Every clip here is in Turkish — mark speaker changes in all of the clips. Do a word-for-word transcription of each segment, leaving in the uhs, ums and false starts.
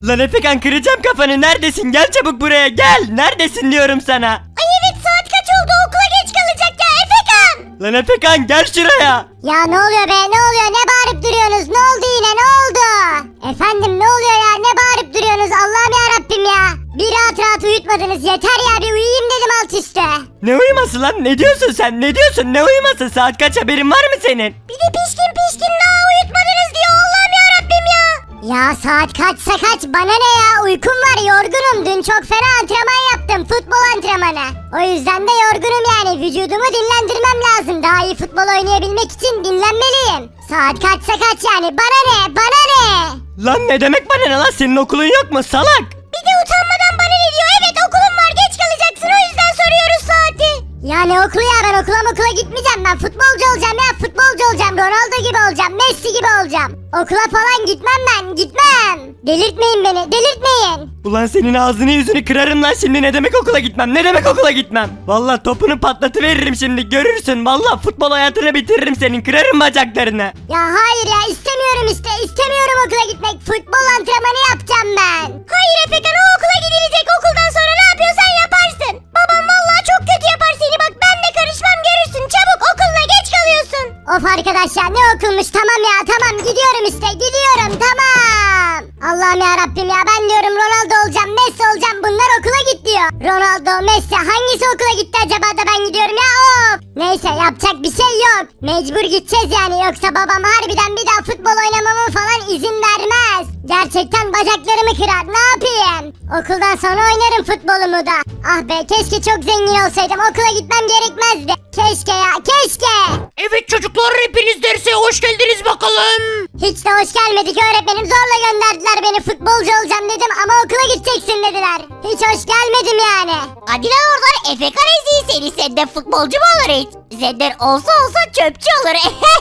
Speaker 1: Lan Efekan kıracağım kafanı, neredesin? Gel çabuk buraya gel. Neredesin diyorum sana.
Speaker 2: Ay evet, saat kaç oldu, okula geç kalacak ya Efekan.
Speaker 1: Lan Efekan gel şuraya.
Speaker 2: Ya ne oluyor be, ne oluyor, ne bağırıp duruyorsunuz, ne oldu yine, ne oldu? Efendim ne oluyor ya, ne bağırıp duruyorsunuz, Allah'ım ya Rabbim ya. Bir rahat rahat uyutmadınız, yeter ya, bir uyuyayım dedim alt üstte.
Speaker 1: Ne uyuması lan, ne diyorsun sen, ne diyorsun, ne uyuması? Saat kaç, haberin var mı senin?
Speaker 2: Bir de pişkin pişkin daha uyutmadınız diyor, Allah'ım ya Rabbim ya. Ya saat kaçsa kaç, bana ne ya, uykum var, yorgunum, dün çok fena antrenman yaptım, futbol antrenmanı. O yüzden de yorgunum yani, vücudumu dinlendirmem lazım, daha iyi futbol oynayabilmek için dinlenmeliyim. Saat kaçsa kaç yani, bana ne, bana ne?
Speaker 1: Lan ne demek bana ne lan, senin okulun yok mu salak?
Speaker 2: Bir de utanmadan bana ne diyor, evet okulum var, geç kalacaksın, o yüzden soruyoruz saati. Ya ne okulu ya, ben okula okula gitmeyeceğim, ben futbolcu olacağım ya, futbolcu olacağım, Ronaldo gibi olacağım, Messi gibi olacağım. Okula falan gitmem ben, gitmem. Delirtmeyin beni, delirtmeyin.
Speaker 1: Ulan senin ağzını yüzünü kırarım lan şimdi, ne demek okula gitmem, ne demek okula gitmem. Vallahi topunu patlatıveririm şimdi, görürsün, vallahi futbol hayatını bitiririm senin, kırarım bacaklarını.
Speaker 2: Ya hayır ya, istemiyorum işte, istemiyorum okula gitmek, futbol antrenmanı yapacağım ben. Hayır Efekan, o okula gidilecek, okuldan sonra ne yapıyorsan yaparsın. Babam vallahi çok kötü yapar seni, bak ben de karışmam, görürsün, çabuk okuluna geç kalıyorsun. Of arkadaş ya, ne okulmuş, tamam ya, tamam gidiyorum işte, gidiyorum, tamam. Allah'ım ya Rabbim ya, ben diyorum Ronaldo olacağım, Messi olacağım, bunlar okula git diyor. Ronaldo, Messi, hangisi okula gitti acaba da ben gidiyorum ya, of. Neyse, yapacak bir şey yok, mecbur gideceğiz yani, yoksa babam harbiden bir daha futbol oynamamı falan izin vermez. Gerçekten bacaklarımı kırar, ne yapayım? Okuldan sonra oynarım futbolumu da. Ah be, keşke çok zengin olsaydım, okula gitmem gerekmezdi. Keşke ya, keşke.
Speaker 3: Evet çocuklar, hepiniz derse hoş geldiniz bakalım.
Speaker 2: Hiç de hoş gelmedik öğretmenim, zorla gönderdiler beni, futbolcu olacağım dedim ama okula gideceksin dediler. Hiç hoş gelmedim yani.
Speaker 4: Hadi lan oradan, Efekan eziği seni, senden futbolcu mu olur hiç? Senden olsa olsa çöpçü olur.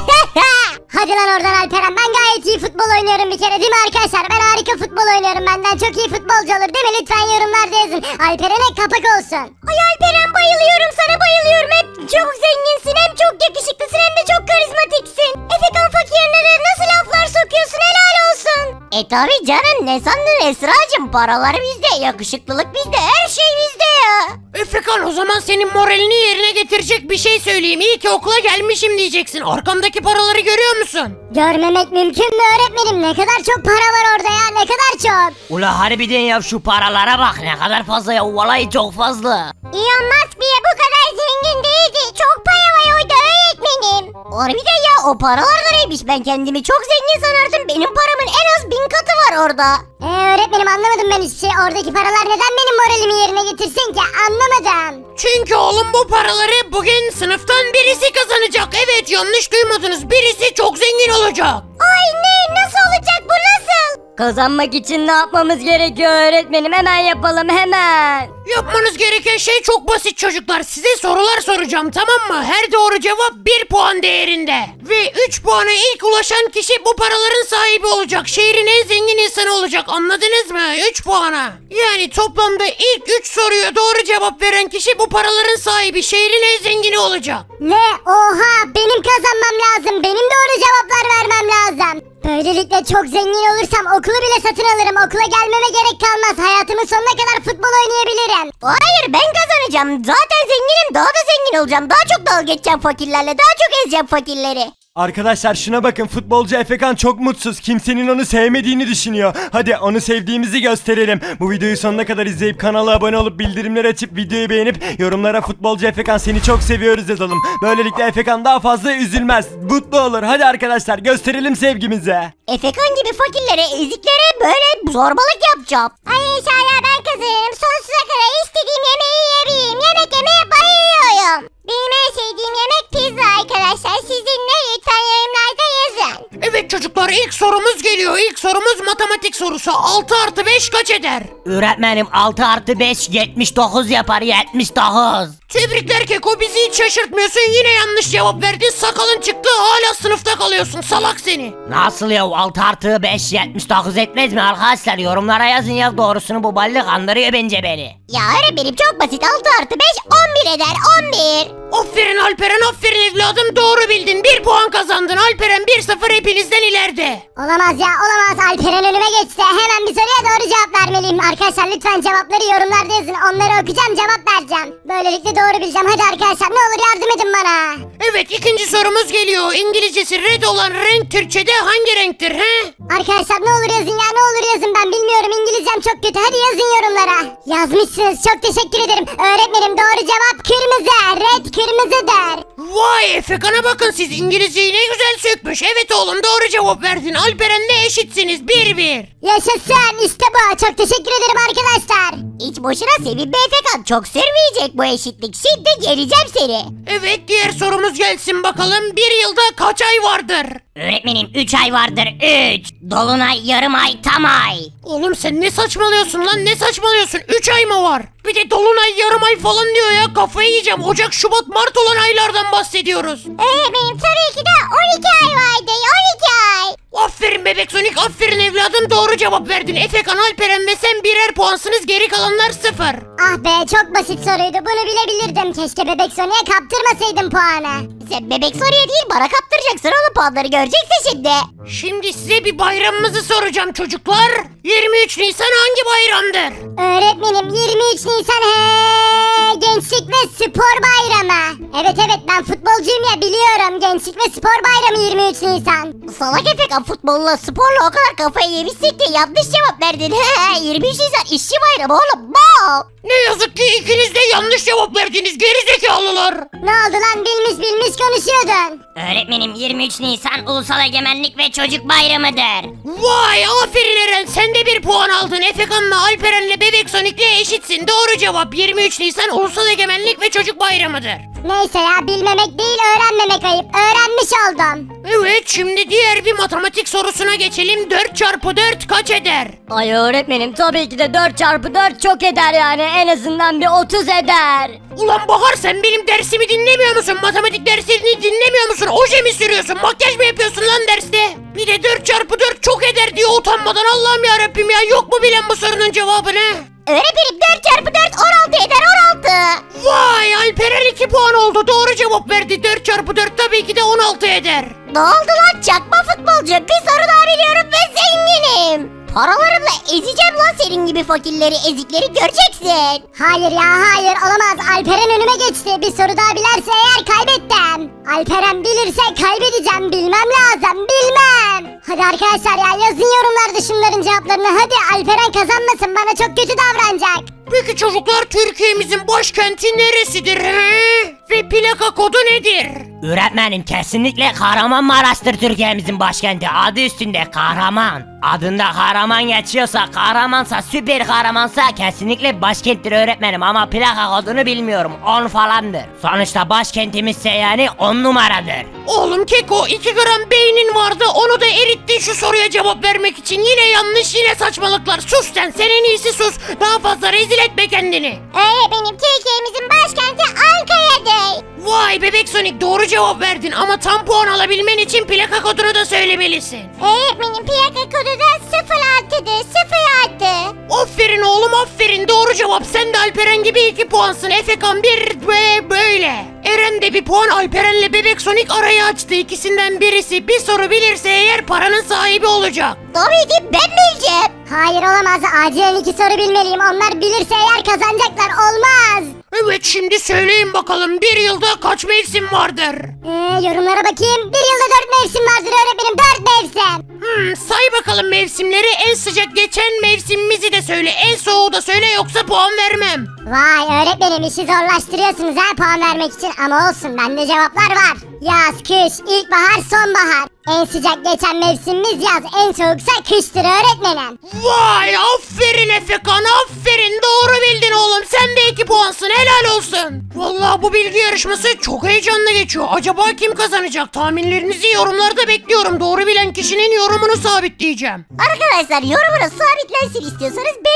Speaker 2: Hadi lan oradan Alperen, ben gayet iyi futbol oynuyorum bir kere değil mi arkadaşlar? Ben harika futbol oynuyorum, benden çok iyi futbolcu olur değil mi? Lütfen yorumlarda yazın. Alperen'e kapak olsun. Ay Alperen, bayılıyorum sana, bayılıyorum. Hep çok zenginsin, hem çok yakışıklısın, hem de çok karizmatiksin. Efekan fakirine de nasıl laflar sokuyorsun, helal olsun.
Speaker 4: E tabi canım, ne sandın Esra'cığım, paralar bizde, yakışıklılık bizde, her şey bizde ya.
Speaker 3: Efekan, o zaman senin moralini yerine getirecek bir şey söyleyeyim. İyi ki okula gelmişim diyeceksin. Arkamdaki paraları görüyor musun?
Speaker 2: Görmemek mümkün mü öğretmenim? Ne kadar çok para var orada ya, ne kadar çok.
Speaker 5: Ula harbiden ya, şu paralara bak, ne kadar fazla ya, vallahi çok fazla.
Speaker 2: Elon Musk bile bu kadar zengin değildi. Çok para var orada öğretmenim.
Speaker 4: Harbiden ya, o paralar da neymiş, ben kendimi çok zengin sanardım, benim paramın en az bin katı var orada.
Speaker 2: Eee öğretmenim, anlamadım ben hiçbir şey. Oradaki paralar neden benim moralimi yerine getirsin ki? Anlamadım.
Speaker 3: Çünkü oğlum, bu paraları bugün sınıftan birisi kazanacak. Evet, yanlış duymadınız, birisi çok zengin olacak.
Speaker 2: Ay ne? Nasıl olacak bu, nasıl?
Speaker 6: Kazanmak için ne yapmamız gerekiyor öğretmenim? Hemen yapalım, hemen.
Speaker 3: Yapmanız gereken şey çok basit çocuklar. Size sorular soracağım, tamam mı? Her doğru cevap bir puan değerinde. Ve üç puana ilk ulaşan kişi bu paraların sahibi olacak. Şehrin en zengin insanı olacak. Anladınız mı? üç puana. Yani toplamda ilk üç soruya doğru cevap veren kişi bu paraların sahibi. Şehrin en zengini olacak.
Speaker 2: Ne? Oha! Benim kazanmam lazım. Benim doğru cevaplar vermem lazım. Böylelikle çok zengin olursam okulu bile satın alırım. Okula gelmeme gerek kalmaz. Hayatımın sonuna kadar futbol oynayabilirim.
Speaker 4: Hayır, ben kazanacağım, zaten zenginim, daha da zengin olacağım, daha çok dalga geçeceğim fakirlerle, daha çok ezeceğim fakirleri.
Speaker 1: Arkadaşlar şuna bakın, futbolcu Efekan çok mutsuz, kimsenin onu sevmediğini düşünüyor. Hadi onu sevdiğimizi gösterelim. Bu videoyu sonuna kadar izleyip kanala abone olup bildirimleri açıp videoyu beğenip yorumlara futbolcu Efekan seni çok seviyoruz yazalım. Böylelikle Efekan daha fazla üzülmez, mutlu olur. Hadi arkadaşlar gösterelim sevgimizi.
Speaker 4: Efekan gibi fakirlere, eziklere böyle zorbalık yapacağım.
Speaker 2: Ay inşallah ben kazanırım. Sonsuza kadar istediğim yemeği yiyebileyim. Yemek yemeye bayılıyorum. Benim en sevdiğim yemek pizza arkadaşlar. Sizin ne? Lütfen yorumlarda yazın.
Speaker 3: Evet çocuklar, ilk sorumuz geliyor. İlk sorumuz matematik sorusu. altı artı beş kaç eder?
Speaker 5: Öğretmenim, altı artı beş yetmiş dokuz yapar, yetmiş dokuz.
Speaker 3: Tebrikler Keko, bizi hiç şaşırtmıyorsun. Yine yanlış cevap verdin. Sakalın çıktı, hala sınıfta kalıyorsun. Salak seni.
Speaker 5: Nasıl ya, altı artı beş yetmiş dokuz etmez mi arkadaşlar? Yorumlara yazın ya doğrusunu, bu ballı kandırıyor bence beni.
Speaker 4: Ya öğretmenim, çok basit, altı artı beş on bir bir eder on bir.
Speaker 3: Aferin Alperen, aferin evladım, doğru bildin. Bir puan kazandın Alperen, bir sıfır hepinizden ileride.
Speaker 2: Olamaz ya olamaz, Alperen önüme geçti. Hemen bir soruya doğru cevap vermeliyim. Arkadaşlar lütfen cevapları yorumlarda yazın. Onları okuyacağım, cevap vereceğim. Böylelikle doğru bileceğim. Hadi arkadaşlar ne olur yardım edin bana.
Speaker 3: Evet, ikinci sorumuz geliyor. İngilizcesi red olan renk Türkçe'de hangi renktir he?
Speaker 2: Arkadaşlar ne olur yazın ya, ne olur yazın, ben bilmiyorum, İngilizcem çok kötü. Hadi yazın yorumlara. Yazmışsınız, çok teşekkür ederim. Öğretmenim doğru cevap kırmızı. Red kırmızıdır.
Speaker 3: Vay, Efekan'a bakın, siz İngilizceyi ne güzel sökmüş. Evet oğlum, doğru cevap verdin. Alperen'le eşitsiniz, bir bir.
Speaker 2: Yaşasın, işte bu. Çok teşekkür ederim arkadaşlar.
Speaker 4: Hiç boşuna sevinme Efekan, çok sürmeyecek bu eşitlik. Şimdi geleceğim seni.
Speaker 3: Evet, diğer sorumuz gelsin bakalım. Bir yılda kaç ay vardır?
Speaker 5: Öğretmenim üç ay vardır üç. Dolunay, yarım ay, tam ay.
Speaker 3: Oğlum sen ne saçmalıyorsun lan, ne saçmalıyorsun? üç ay mı var? Bir de dolunay, yarım ay falan diyor ya, kafayı yiyeceğim. Ocak, Şubat, Mart olan aylardan bahsediyoruz.
Speaker 2: Öğretmenim tabii ki de on iki ay vardı, on iki ay.
Speaker 3: Aferin bebek Sonic, aferin evladım, doğru cevap verdin. Efekan, Alperen ve sen birer puansınız, geri kalanlar sıfır.
Speaker 2: Ah be, çok basit soruydu, bunu bilebilirdim. Keşke Bebek Sonic'e kaptırmasaydım puanı.
Speaker 4: Sen bebek soruya değil bana kaptıracaksın oğlum, puanları göreceksin şimdi.
Speaker 3: Şimdi size bir bayramımızı soracağım çocuklar. yirmi üç Nisan hangi bayramdır?
Speaker 2: Öğretmenim yirmi üç Nisan he Gençlik ve Spor Bayramı. Evet evet, ben futbolcuyum ya, biliyorum. Gençlik ve Spor Bayramı yirmi üç Nisan.
Speaker 4: Salak Efekan, futbolla sporla o kadar kafayı yemişsin ki yanlış cevap verdin. yirmi üç Nisan işçi bayramı oğlum. Mal.
Speaker 3: Ne yazık ki ikiniz de yanlış cevap verdiniz gerizekalılar.
Speaker 2: Ne oldu lan, bilmiş bilmiş konuşuyordun.
Speaker 5: Öğretmenim yirmi üç Nisan Ulusal Egemenlik ve Çocuk Bayramıdır.
Speaker 3: Vay, aferin Eren, sen de bir puan aldın. Efekan'la, Alperen'le, Bebek Sonic'le eşitsin. Doğru cevap yirmi üç Nisan Ulusal Egemenlik ve Çocuk Bayramıdır.
Speaker 2: Neyse ya, bilmemek değil öğrenmemek ayıp. Öğrenmiş oldum.
Speaker 3: Evet, şimdi diğer bir matematik sorusuna geçelim. dört çarpı dört kaç eder?
Speaker 6: Ay öğretmenim tabii ki de dört çarpı dört çok eder yani. En azından bir otuz eder.
Speaker 3: Ulan Bahar, sen benim dersimi dinlemiyor musun? Matematik derslerini dinlemiyor musun? Oje mi sürüyorsun? Makyaj mı yapıyorsun lan derste? Bir de dört çarpı dört çok eder diyor utanmadan. Allah'ım yarabbim ya, yok mu bilen bu sorunun cevabını?
Speaker 4: Öğretmenim dört çarpı dört on altı eder, on altı.
Speaker 3: Vay, Alperen iki puan oldu, doğru cevap verdi. dört çarpı dört tabii ki de on altı eder.
Speaker 4: Ne oldu lan çakma futbolcu? Bir soru daha biliyorum ve zenginim. Paralarımla ezeceğim lan senin gibi fakirleri, ezikleri göreceksin.
Speaker 2: Hayır ya hayır, olamaz. Alperen önüme geçti. Bir soru daha bilerse eğer kaybettim. Alperen bilirse kaybedeceğim. Bilmem lazım, bilmem. Hadi arkadaşlar ya, yazın yorumlarda şunların cevaplarını. Hadi Alperen kazanmasın, bana çok kötü davranacak.
Speaker 3: Peki çocuklar, Türkiye'mizin başkenti neresidir he? Ve plaka kodu nedir?
Speaker 5: Öğretmenim kesinlikle Kahramanmaraş'tır Türkiye'mizin başkenti. Adı üstünde kahraman. Adında kahraman geçiyorsa, kahramansa, süper kahramansa kesinlikle başkenttir öğretmenim. Ama plaka kodunu bilmiyorum. on falandır. Sonuçta başkentimizse yani on numaradır.
Speaker 3: Oğlum Keko, iki gram beynin vardı, onu da erittin şu soruya cevap vermek için. Yine yanlış, yine saçmalıklar. Sus sen, sen en iyisi sus. Daha fazla rezil etme kendini.
Speaker 2: Öğretmenim Türkiye'mizin başkenti Ankara'dır.
Speaker 3: Vay bebek Sonic, doğru cevap verdin ama tam puan alabilmen için plaka kodunu da söylemelisin.
Speaker 2: Öğretmenim plaka kodu da sıfır altıdır, sıfır altı.
Speaker 3: Aferin oğlum, aferin, doğru cevap. Sen de Alperen gibi iki puansın. Efekan bir ve böyle. Eren de bir puan, Alperen'le bebek Sonic arayı açtı. İkisinden birisi bir soru bilirse eğer paranın sahibi olacak.
Speaker 4: Tabii ki ben bileceğim.
Speaker 2: Hayır olamaz, acilen iki soru bilmeliyim. Onlar bilirse eğer kazanacaklar, olmaz.
Speaker 3: Evet, şimdi söyleyin bakalım, bir yılda kaç mevsim vardır?
Speaker 2: Ee, yorumlara bakayım. Bir yılda dört mevsim vardır öğretmenim, dört mevsim.
Speaker 3: Hmm, say bakalım mevsimleri, en sıcak geçen mevsimimizi de söyle, en soğuğu da söyle, yoksa puan vermem.
Speaker 2: Vay öğretmenim, işi zorlaştırıyorsunuz ha puan vermek için, ama olsun, bende cevaplar var. Yaz, kış, ilkbahar, sonbahar. En sıcak geçen mevsimimiz yaz, en soğuksa kıştır öğretmenim.
Speaker 3: Vay, aferin Efekan, aferin, doğru bildin oğlum, sen de iki puansın, helal olsun. Vallahi bu bilgi yarışması çok heyecanlı geçiyor. Acaba kim kazanacak? Tahminlerinizi yorumlarda bekliyorum. Doğru bilen kişinin yorumunu sabitleyeceğim.
Speaker 4: Arkadaşlar yorumunu sabitlensin istiyorsanız benim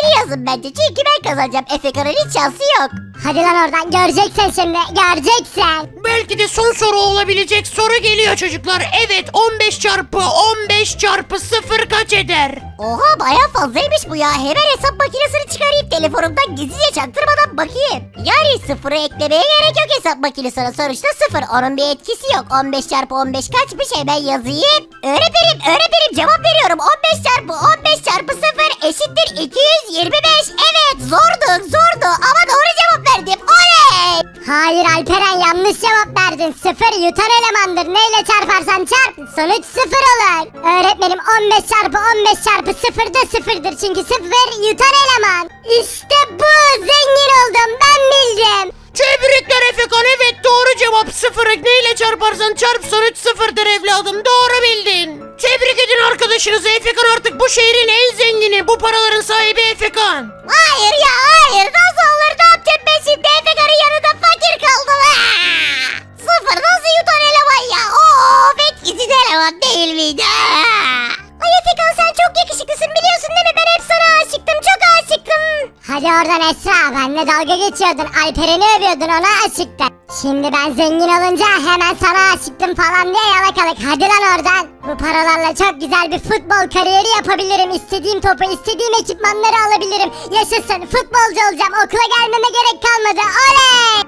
Speaker 4: beni yazın bence. Çünkü ben kazanacağım. Efekan'ın hiç şansı yok.
Speaker 2: Hadi lan oradan göreceksin şimdi göreceksin.
Speaker 3: Belki de son soru olabilecek soru geliyor çocuklar. Evet on beş çarpı on beş çarpı sıfır kaç eder?
Speaker 4: Oha baya fazlaymış bu ya. Hemen hesap makinesini çıkarayım telefonumdan gizlice çaktırmadan bakayım. Yani sıfırı eklemeye gerek yok hesap makinesine. Sonuçta sıfır. Onun bir etkisi yok. on beş çarpı on beş kaçmış hemen yazayım. Öğretmenim öğretmenim cevap veriyorum. on beş çarpı on beş çarpı sıfır eşittir iki yüz yirmi beş. Evet zordu zordu ama doğru cevap verdim. Oley!
Speaker 2: Hayır Alperen yanlış cevap verdin. Sıfır yutan elemandır. Neyle çarparsan çarp sonuç sıfır olur. Öğretmenim on beş çarpı on beş çarpı sıfır da sıfırdır. Çünkü sıfır yutan eleman. İşte bu zengin oldum ben bildim.
Speaker 3: Tebrikler Efekan, evet doğru cevap. Sıfırı neyle çarparsan çarp sonuç sıfırdır evladım, doğru bildin. Tebrik edin arkadaşınızı. Efekan artık bu şehrin en zengini, bu paraların sahibi Efekan.
Speaker 4: Hayır ya hayır nasıl olur ne yapacağım ben şimdi Efekan'ın yanında fakir kaldım. Aa! Sıfır nasıl yutan eleman ya of etkisiz eleman değil miydi? Aa! Ay Efekan sen çok yakışıklısın biliyorsun değil mi ben hep sana aşıktım çok aşıktım.
Speaker 2: Hadi oradan Esra benimle dalga geçiyordun. Alperen'i övüyordun ona aşıktın. Şimdi ben zengin olunca hemen sana aşıktım falan diye yalakalık. Hadi lan oradan. Bu paralarla çok güzel bir futbol kariyeri yapabilirim. İstediğim topu istediğim ekipmanları alabilirim. Yaşasın futbolcu olacağım. Okula gelmeme gerek kalmadı. Oley!